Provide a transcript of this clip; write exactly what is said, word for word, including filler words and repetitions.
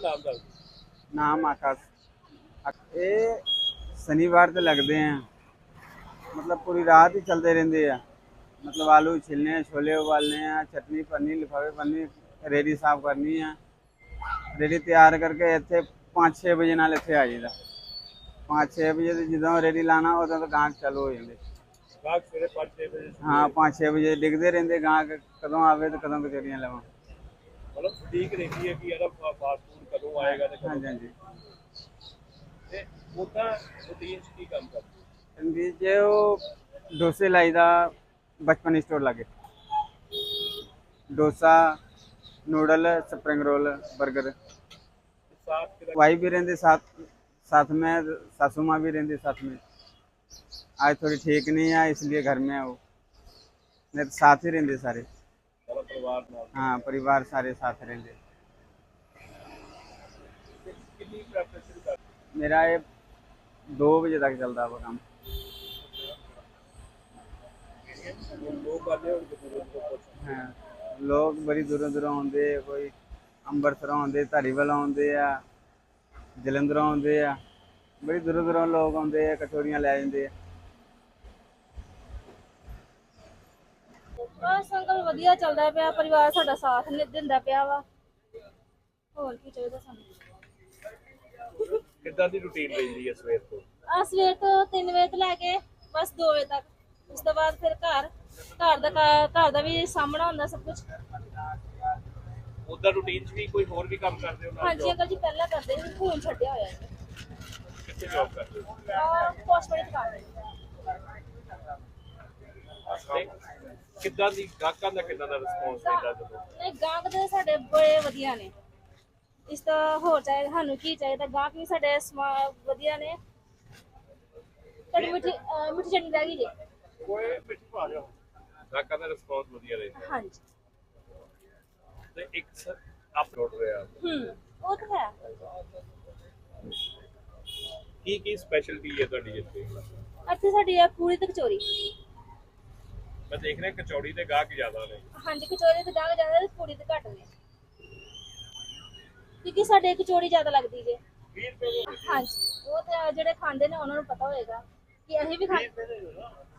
नाम दस नाम आकाश। ये शनिवार तो लगते हैं, मतलब पूरी रात ही चलते रहते हैं। मतलब आलू छिलने, छोले उबालने हैं, चटनी भरनी, लिफाफे भरनी, रेडी साफ करनी है। रेडी तैयार करके इतने पाँच छे बजे नाल इतने आ जाइए। पाँच छे बजे तो जो रेडी लाना उदों तो गाहक चालू हो जाते। गाहक सवेरे पाँच छे बजे हाँ, पाँच छे बजे डिगते रहते गाहक कदों आवे तो कदों कचौरियाँ लवां। मतलब ठीक रहती है कि यार फास्ट फूड कदों आएगा तो हाँ कदों जी, हाँ जी। ते ओदा रूटीन च की काम करते रणवीर जी वो डोसे लाईदा बचपन स्टोर लागे। Dosa, noodle, spring roll, burger. साथ के वाइफ भी रहती साथ साथ में, सासू माँ भी रहती साथ में। आज थोड़ी ठीक नहीं है इसलिए घर में है वो, नहीं तो साथ ही रहते सारे। सारा परिवार नाल हाँ, परिवार सारे साथ रहते। ते कितनी प्रेपरेशन कर मेरा ये दो बजे तक चलता है वो काम। लोग आते हैं उनके दूर दूर कुछ हाँ, लोग बड़ी दूरों दूरों आते, कोई अंबरसरों आते, धारीवाल आते आ, जलंधरों आते आ। बड़ी दूरों दूरों लोग आते हैं, कचौरियाँ लै जाते हैं। बस अंकल ਵਧੀਆ ਚੱਲਦਾ ਪਿਆ, ਪਰਿਵਾਰ ਸਾਡਾ ਸਾਥ ਨਹੀਂ ਦਿੰਦਾ ਪਿਆ ਵਾ। ਹੋਰ ਕੀ ਚਾਹੀਦਾ ਸਾਨੂੰ। कितना दी रूटीन रहती है सवेर तो ਆ ਸਵੇਰ ਤੋਂ ਤਿੰਨ ਵਜੇ ਤੋਂ ਲੈ ਕੇ ਬਸ ਦੋ ਵਜੇ ਤੱਕ। ਉਸ ਤੋਂ ਬਾਅਦ ਫਿਰ ਘਰ ਘਰ ਦਾ ਕਾ- ਘਰ ਦਾ ਵੀ ਸਾਹਮਣਾ ਹੁੰਦਾ ਸਭ ਕੁਝ। ओदा रूटीन च भी कोई होर भी काम करते हो ना ਹਾਂਜੀ ਅੰਕਲ ਜੀ ਪਹਿਲਾਂ ਕਰਦੇ ਸੀ, ਹੁਣ ਛੱਡਿਆ ਹੋਇਆ ਹੈ। कितने जॉब करते हो ਆ ਪੋਸਟਮੈਨ ਦੁਕਾਨ ਹੈ। ਤੇ ਕਿੱਦਾਂ ਦੀ ਗਾਹਕਾਂ ਦਾ ਕਿੱਦਾਂ ਦਾ ਰਿਸਪੌਂਸ ਮਿਲਦਾ ਜਦੋਂ ਨਹੀਂ ਗਾਹਕ ਦੇ ਸਾਡੇ ਬੜੇ ਵਧੀਆ ਨੇ। ਇਸ ਤੋਂ ਹੋਰ ਚਾਹੀਦਾ ਸਾਨੂੰ ਕੀ ਚਾਹੀਦਾ, ਗਾਹਕ ਵੀ ਸਾਡੇ ਸਮਾ- ਵਧੀਆ ਨੇ। ਤੁਹਾਡੀ ਮਿੱਠੀ ਅਹ ਮਿੱਠੀ ਚਟਨੀ ਰਹਿ ਗਈ ਜੀ। ਕੋਈ ਮਿੱਠੀ ਪਾ ਲਿਓ ਗਾਹਕਾਂ ਦਾ ਰਿਸਪੌਂਸ ਵਧੀਆ ਰਹਿੰਦਾ ਹਾਂਜੀ ਤੇ ਇੱਕ ਅਪਲੋਡ ਰਿਹਾ ਹੂੰ ਉਹ ਤਾਂ ਹੈ। ਕੀ ਕੀ ਸਪੈਸ਼ਲਟੀ ਹੈ ਤੁਹਾਡੀ ਇੱਥੇ ਇੱਥੇ ਸਾਡੀ ਹੈ ਪੂਰੀ ਤੇ ਕਚੌਰੀ। ਮੈਂ ਦੇਖ ਰਿਹਾ ਕਚੌੜੀ ਦੇ ਗਾਹਕ ਜ਼ਿਆਦਾ ਨੇ ਹਾਂਜੀ ਕਚੌਰੀ ਤੇ ਗਾਹਕ ਜ਼ਿਆਦਾ ਤੇ ਪੂਰੀ ਤੇ ਘੱਟ ਨੇ, ਕਿਉਂਕਿ ਸਾਡੇ ਕਚੌਰੀ ਜ਼ਿਆਦਾ ਲੱਗਦੀ ਜੇ। ਵੀਹ ਰੁਪਏ ਦੇ ਹਾਂਜੀ ਉਹ ਤੇ ਜਿਹੜੇ ਖਾਂਦੇ ਨੇ ਉਹਨਾਂ ਨੂੰ ਪਤਾ ਹੋਏਗਾ ਕਿ ਅਸੀਂ ਵੀ ਖਾਂਦੇ।